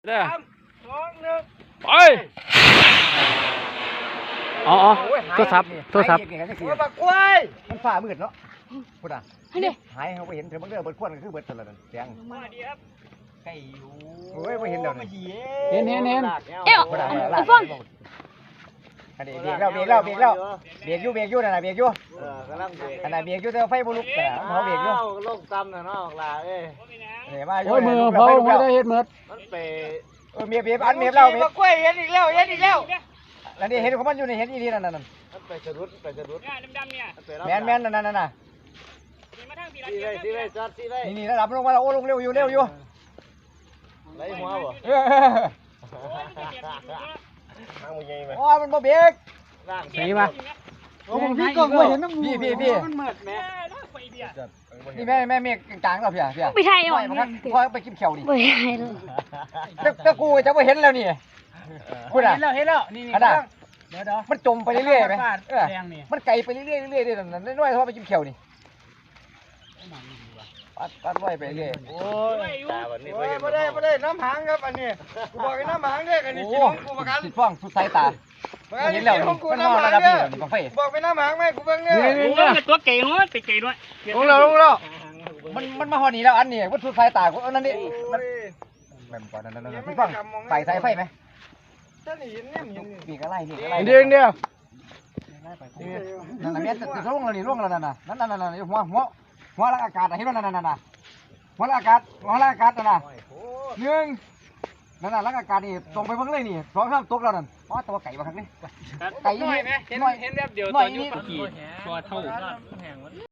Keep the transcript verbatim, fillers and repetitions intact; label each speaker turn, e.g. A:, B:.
A: เด้อ
B: สามสองหนึ่ง
A: ไปอ๋ออ๋อโทรศัพท์โทรศัพท์
B: โอ้ยบักกล้วยมันฝ่ามืดเนาะพูดอ่ะ
C: ให้ดิ
B: หายเขาไปเห็นเธอบังเด้อเบิดควนก็คือเบิดตลอดนั่นเสียง
D: มาดีครับไก่อยู่
B: โอ้ยไม่เห็นเดี๋ยวนี้
A: เห็นเห็นเห็น
C: เอ้า
B: พูดอ่ะ
C: ไอ้ฟ้อน
B: อันนี้เบรกแล้วเบรกแล้วเบรกแล้วเบรกอยู่เบรกอยู่นั่นน่ะเบรกอยู่
D: เออกำลังเบรก
B: อันนั้นเบรกอยู่แต่ไฟบุลุกแต่เขาเบรกอยู่
D: อ้าวลงตำน่ะเนาะลาเอ้ย
B: เนี่ยมา
A: โอ้ยมือเผาไม่ได้เห็ดหมด
D: มันเป
B: เออเมียเมียอันเมียเราเมีย
D: บักกล้วยเห็นอีกแล้วเห็นอีกแล้ว
B: แล้วนี่เห็นของมันอยู่ในเห็นอีนี่นั่นนั่น
D: มันไปสะดุดไปสะดุด
E: เนี่ยดำๆเนี่ย
D: มันไปรับ
B: แมนแมนนั่นนั่นน่ะ
E: มีมาทางสี
D: สีไว้สีไว้จอดสีไว้
B: นี่นี่ระดับลงมาแล้วโอ้ลงเร็วอยู่เร็วอยู่
D: ไหลหัวบ่
B: เออ
D: ทางมึงยังไง
B: โอ้ยมันบ่เบรก
D: ร่าง
A: นี่มา
B: โอ้ผมพี่ก็ไม่เห็นน้ำพี่พี่พี่
D: มันเหมือดแม่
E: ไฟเบียร์
B: นี่แม่แม่เมียกลางๆเราเพียเพีย
C: ไปไทย
B: ป
C: อ่
B: ล่
C: อ
B: อย
C: น
B: มันครับพอไปกินเขียวดิ
C: ไปไทยเลย
B: แล้วแล้วกูจะไม่เห็นแล้วนี่พูดอ่ะ
E: เห็นแล้วเห็นแล้วนี่นี่
B: อันน่ะ
E: เดี๋ยวเดี๋ยว
B: มันจมไปเรื่อยๆไหมเออ
E: แดงนี่
B: มันไกลไปเรื่อยๆเรื่อยๆเรื่อยๆนั่นน้อยๆเพราะไปกินเขียวนี่ปัดปัดไว้ไปเรื่อย
D: โอ้ยตาวันนี้
B: โอ้ยไม่ได้ไม่ได้น้ำหางครับอันนี้กูบอกให้น้ำหางเด้ออันนี้
A: โอ้
B: จิตของกูประกัน
A: ติดฟ้องสุดสายตา
B: เห็นแล้วนี่มันนอนระดับนี้นี่บังไฟบอกไปน้ำหางไหมกูเบิ่งเนี่ย
E: โอ้ยตัวเก่งวะตัวเก่งด้วย
B: ลงแล้วลงแล้วมันมันมาหอนี่แล้วอันนี้วัตถุสายตากูอันนั้นนี่มันแม่นกว่านั้นนั่นพี่ฟังใส่สายไฟไหมปีกอะไรนี่อะไร
A: เดียวเดียว
B: นั่นน่ะเมียติดร่วงแล้วนี่ร่วงแล้วนั่นน่ะนั่นนั่นนั่นหัวหัวหัวลักอากาศเห็นว่านั่นนั่นนั่นหัวลักอากาศหัวลักอากาศนั่นน่ะหนึ่งนั่นน่ะลักอากาศนี่ตรงไปเพิ่งเลยนี่สองสามตกแล้วนั่นว้าตัวไก่มาครั้งนี้ไก่
E: หน่อยไหมเห็นเห็นแบบเดียวตัวยุบขี่ตัวเท่า